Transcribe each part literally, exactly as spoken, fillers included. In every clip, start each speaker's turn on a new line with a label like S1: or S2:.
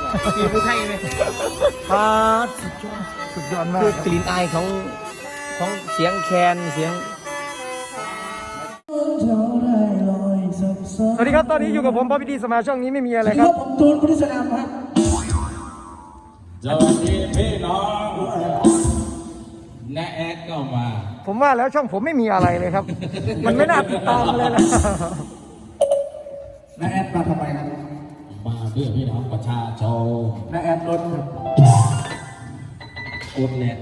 S1: สีผู้ไทยเลย
S2: ปาสุดยอดสุดยอดมาก
S1: คือกลิ่นอายของของเสียงแคนเสียง
S2: สวัสดีครับตอนนี้อยู่กับผมป๊อปปี้ดีสมาช่องนี้ไม่มีอะไรครับ
S3: ผมตูนพุทธิสนามครับ
S4: สวัสดีพี่น้องน้าแอดก็มา
S2: ผมว่าแล้วช่องผมไม่มีอะไรเลยครับ มันไม่น่าติดตามเลยนะ
S3: น้าแอดมาทำไมครับ
S4: มาเพื่อพี่น้องประชาชน
S3: น้าแอดรถ
S4: กดแหลก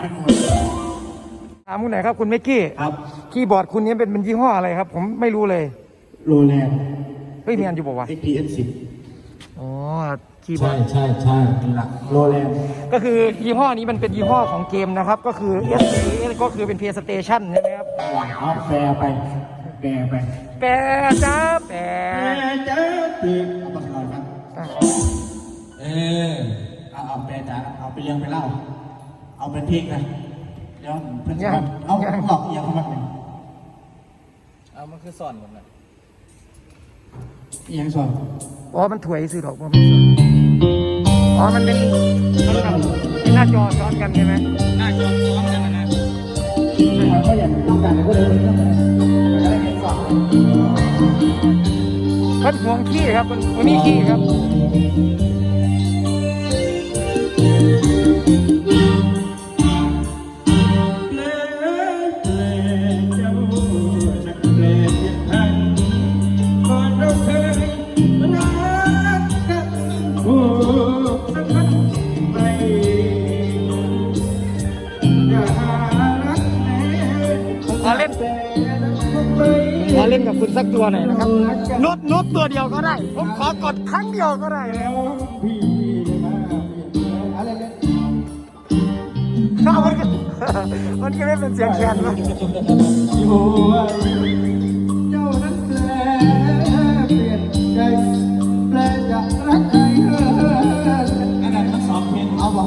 S2: ถามคุณไหนครับคุณเมกกี้
S3: ครับ
S2: คีย์บอร์ดคุณนี้เป็นเป็นยี่ห้ออะไรครับผมไม่รู้เลย
S3: โรแลนด์
S2: เฮ้ยมีอันอยู่บอกว่า
S3: เอ็กซ์ พี เอส สิบ
S2: อ๋อคีย์บอ
S4: ใช่
S2: ร์ด
S4: ใช่ใช่
S3: หลักโรแลนด์
S2: ก็คือยี่ห้อนี้มันเป็นยี่ห้อของเกมนะครับก็คือ เอส พี ก็คือเป็น PlayStation ใช่ไหมครับ
S3: เอาแปรไปแปรไป
S2: แปรจ้าแปร
S3: จ้าปีเอาปากกาครับ
S4: เออ
S3: เอาเอาแปรจ้าเอาไปเลี้ยงไปเล่าเอาเป็นพริกนะเดี๋ยวเพื่อนจะเอาหลอกเอียงเข้ามาเลย
S1: เอามันคือซ่อนหมดเลย
S3: เอียงสอน
S2: อ๋อมันถวยสื่อดอกมันเป็นส่วนอ๋อมันเป็นมันแบบเป็นหน้าจอซ้อนกันใช่ไหม
S1: หน้าจอซ้อนกันนะนะ
S3: เขาอยากต้องการก็เลยต้องการก็ได้เงินสอน
S2: มันห่วงขี้ครับมันมันมีขี้ครับขอเล่นขอเล่นกับคุณสักตัวหน่อยนะครับนุดนุดตัวเดียวก็ได้ผมขอกดครั้งเดียวก็ได้แล้วข้าวมันก็มันก็ไม่เป็นเสียงแคนนะ
S3: เจ้านั้นแปลเปลี่ยนใจแปลจะรักใครเอออันนั้นทั้งสองเพลงเอาบอก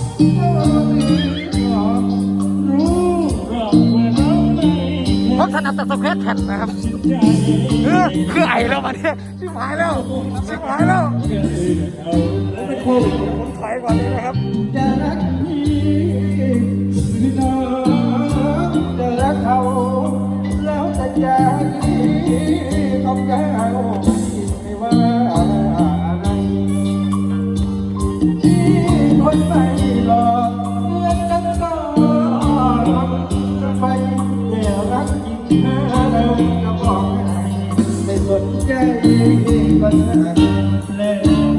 S2: ผมถนัดแต่สเปซแผ่นนะครับเออคือไอแล้วมาเนี่ยชิบหายแล้วชิบหายแล้วผมเป็นโควิดผมถอยก่อนเลยนะครับ
S3: จะรักพี่หรือน้องจะรักเขาแล้วแต่ใจต้องแก้วไม่ว่าอะไรที่คนไปหลอกเมื่อกันก็จะไปแต่รักจริงแล้วจะบอกให้ไม่สนใจก็ได้เลย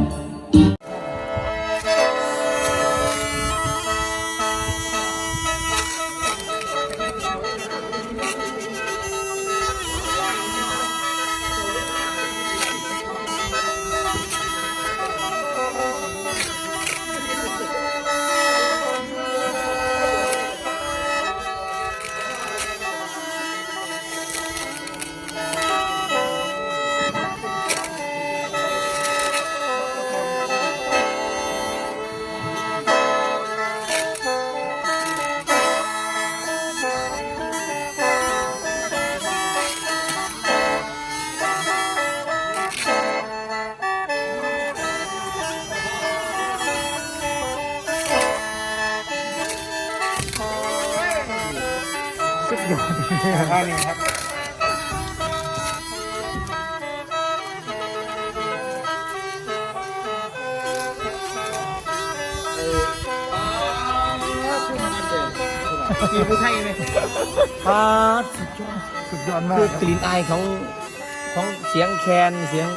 S2: สุดยอดท่านี้ครับ
S1: สีผู้ไทยเลย
S2: ปาสุดยอดสุดยอดมาก
S1: คือกลิ่นอายของของเสียงแคนเสียง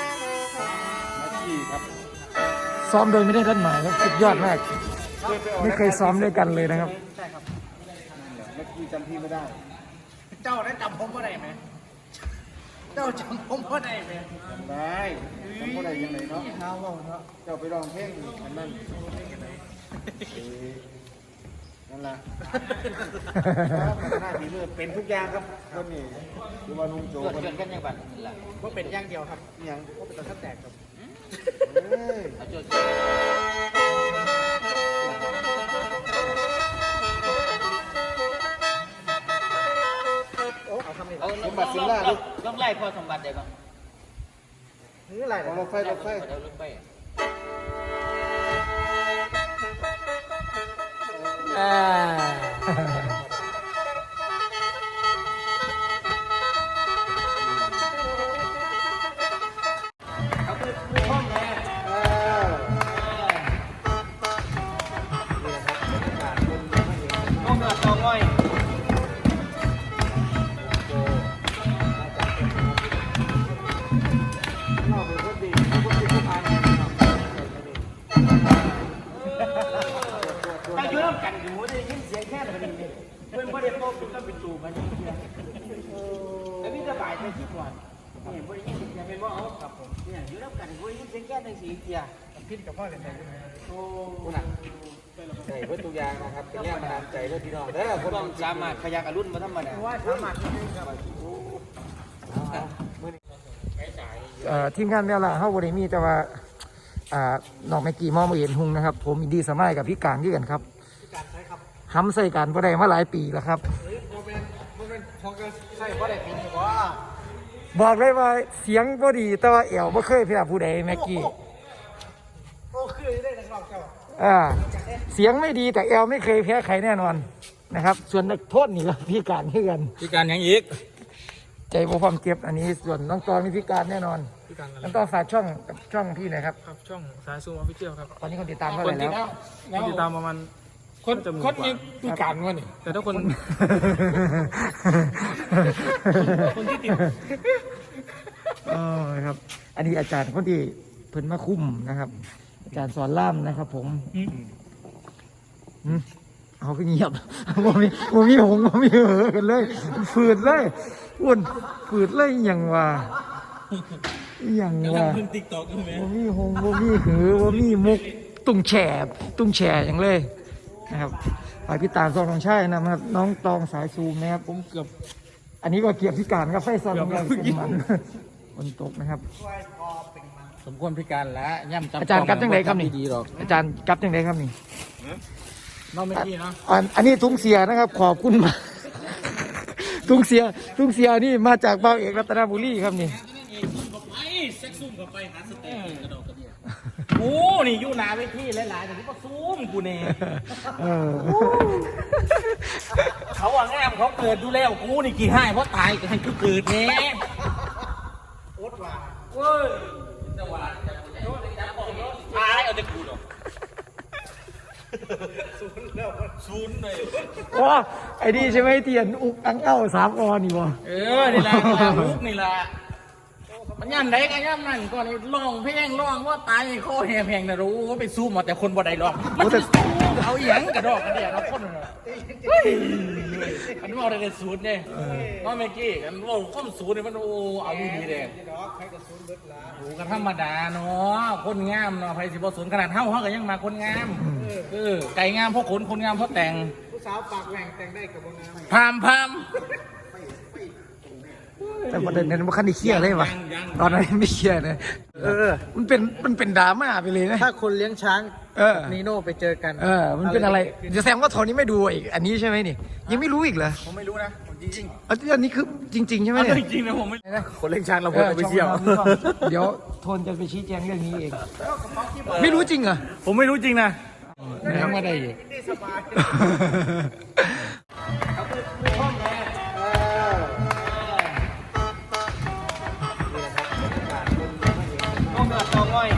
S2: ซ้อมโดยไม่ได้ด้านหมายครับสุดยอดมากไม่เคยซ้อมด้วยกันเลยนะครับ
S3: ใช่ครับเมื่อกี้จำพี่ไม่ได้ เจ้าได้จำผมว่าได้ไหมเจ้าจำผมว่าได้ไหมจำได้จำว่าได้ยังไงเนาะเท้าว่าเนาะเจ้าไปร้องเพลงอันนั้นนั่นแหละหน้าที่เลือเป็นทุกอย่างครับคนนี้ดูว่านุ่งโจ
S1: เกิดเกิดกันยังบัด
S3: ว่าเป็นอย่างเดียวครับอย่างว่าเป็นตะกั่วแตกครับ
S1: เอาจุดเอาสมบัติสินล่าลูกต้องไล่พ่อสมบัติได้ป่ะ
S3: นี่อะไรรถไฟรถไฟ
S1: รถไฟอ่า
S2: เขาคือผู้ห้องแม่เออห้องเดือดตองง่อยถ้าอยู่ร่วมกันอยู่ได้ยินเสียงแค่แบบนี้เพื่อนพ่อเด็กพ่อคุณต้องเป็นตูมันนี่แล้วพี่จะบ่ายไปที่ก่อนนี่บริยินเสียงเป็นว่าเอาครับผมเนี่ยอยู่ร่วมกันบริยินเสียงแค่ในสีเสียพิษกับพ่อเลยไหมโอ้คุณอ่ะใช่เพื่อตัวอย่างนะครับเป็นแรงบันดาลใจเรื่องพี่น้องเด้อคนต้องสามารถขยักอรุณมาทำมันว่าสามารถที่จะครับ
S3: เอ่อทีมงานแมวล่าเฮาบ่ได้มีแต่ว่าอ่าน้องแม็กกี้มองบ่เห็นหุงนะครับผมอินดีสมัยกับพี่การคือกันครับพี่การใช่ครับห้ำใส่กันบ่ได้มาหลายปีแล้วครับ
S2: เฮ้ยโมเมนต์โมเมนต์พอกันใช่เพราะอะไรปีนี้ว่า
S3: บอกเลยว่าเสียงบ่ดีแต่ว่าแอวบ่เคยแพ้ผู้ใดแม็กกี้
S2: โอ้คือได้นักร้องเจ้า
S3: อ่าเสียงไม่ดีแต่แอลไม่เคยแพ้ใครแน่นอนนะครับ ส่วนนักโทษนี่ก็พิการคือกัน
S1: พี่การยังอีก
S3: ใจบ่พร้อมเก็บอันนี้ส่วนน้องตอนมีพิการแน่นอน
S1: พี่การ
S3: น้องตอนฝากช่องกับช่องพี่หน่อยครับ
S1: ครับช่องสายซูมออฟฟิเชียลครับ
S3: ตอนนี้คนติดตามเท่าไหร่แล้ว
S1: คนติดตามประมาณ
S2: คนคนมีปีการวะนี่
S1: แต่ถ้าคน
S2: คนที่ติด
S3: เออครับ อันนี้อาจารย์คนที่เพิ่นมาคุ้มนะครับ อาจารย์สอนล่ามนะครับ ผมอืมเอาก็เงียบ โมมีโมมีหงโมมีเหอกันเลยฝืดเลยอ้วนฝืดเลยอหย่างว่าอหย่างว่า
S1: ขึ้นติ๊กต็อกใช่ไหม
S3: โมมีหงโมมีหือโมมีมุกตุ้งแฉตุ้งแฉอย่างเลยนะครับฝากพี่ตาซองทองใช่นะครับ น้องตองสายซูมนะครับ
S1: ผมเกือบ
S3: อันนี้ก็เกียบพิการครับไฟซอน
S1: เกือบ
S3: ของเรา
S1: เมื่อกี้
S3: เป็นมันฝนตกนะครับ
S1: สมควรพิการแล้วย่ำจับ
S3: อาจารย์กลับจังไหนครับนี่
S1: ดีๆหรอก
S3: อาจารย์กลับจังไดครับนี่
S1: น้องเมื่อกี้เนาะ
S3: อันอันนี้ทุงเสียนะครับ ขอบคุณมาก ทุงเสียทุงเสียนี่มาจากเบาเอกรัตนบุรีครับนี่
S1: ไปเซ็กซุ่มกับไปหาสเต็กกระดอกกระเดีย
S2: โอ้นี่อยู่หนาเวทีหลายๆแต่นี่ก็ซูมกูเน่
S3: เออ
S2: เขาอ่ะงามเขาเกิดดูแล้วกูนี่กี่ให้เพราะตายก็ให้กูเกิดเน่โอ๊ตว่าเว้ยจังหวะจังหวะจับของตายเอาแต่กูหรอกศูนย์แล้วศูนย์เลย
S3: ว้าไอ้นี่ใช่ไหมเทียนอุกอังเอ้าสามออนี่วะ
S2: เออ นี่แหละลูกนี่แหละมันย่ำไหนกันย่ำนั่นก่อนร้องเพลงร้องว่าตายข้อแหบแหงนะรู้ว่าไปซูมมาแต่คนบ่ได้ร้องมันจะซูมเอาหยังกระดอกกระเดียเราคนเลยมันว่าอะไรศูนย์เนี่ยว่าเมื่อกี้กันว่าข้อมศูนย์เนี่ยมันโอ้เอาดีเลยโอ้กันธรรมดาเนาะคนงามเนาะไพสิบศูนย์ขนาดเท่าเขาก็ยังมาคนงามเออไก่งามเพราะขนคนงามเพราะแต่ง
S3: ผู้สาวปากแหว่งแต่งได้กับวงงาม
S2: พามพาม
S3: แต่ประเด็นนั้นมันคันได้เครียดเลยวะตอนนั้นไม่เครียดนะเออ มันเป็นมันเป็นดราม่าไปเลยนะ
S2: ถ้าคนเลี้ยงช้าง
S3: เออ
S2: นีโน่ไปเจอกัน
S3: เออ มันเป็นอะไรจะแสดงว่าโทนนี้ไม่ดูอีกอันนี้ใช่ไหมนี่ ยังไม่รู้อีกเหรอ
S2: ผมไม่รู้นะผมจริง
S3: อันนี้คือจริง ๆ ใช่ไหม
S2: ๆ
S3: เนี่ย
S2: จริงๆนะผมไม่คนเลี้ยงช้างเราควรไปเที่ยว
S3: เดี๋ยวโทนจะไปชี้แจงเรื่องนี้เอง ไม่รู้จริงเหรอ
S2: ผมไม่รู้จริงนะ
S3: ยังไม่ได้อีก
S2: ห้องเดือดตองง่อย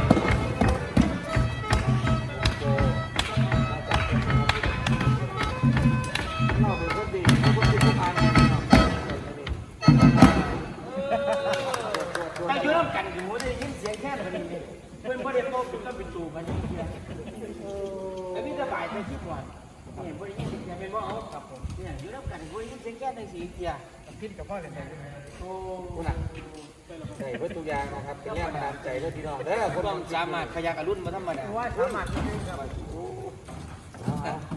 S2: ถ้าอยู่ร่วมกันอยู่ได้ยินเสียงแค่แบบนี้เพื่อนพ่อเด็กพ่อคุณต้องเป็นตูมันนี่แล้วพี่จะบ่ายไปที่ก่อนนี่บริยินเสียงเป็นว่าเอาครับผมเนี่ยอยู่ร่วมกันบริยินเสียงแค่ในสีเสียพิษกับพ่อเลยไหมโอ้คุณอ่ะใช่เพื่อตัวอย่างนะครับเป็นแรงบันดาลใจเรื่องพี่น้องเด้อคนต้องสามารถขยักอรุณมาทำมันว่าสามารถที่จะ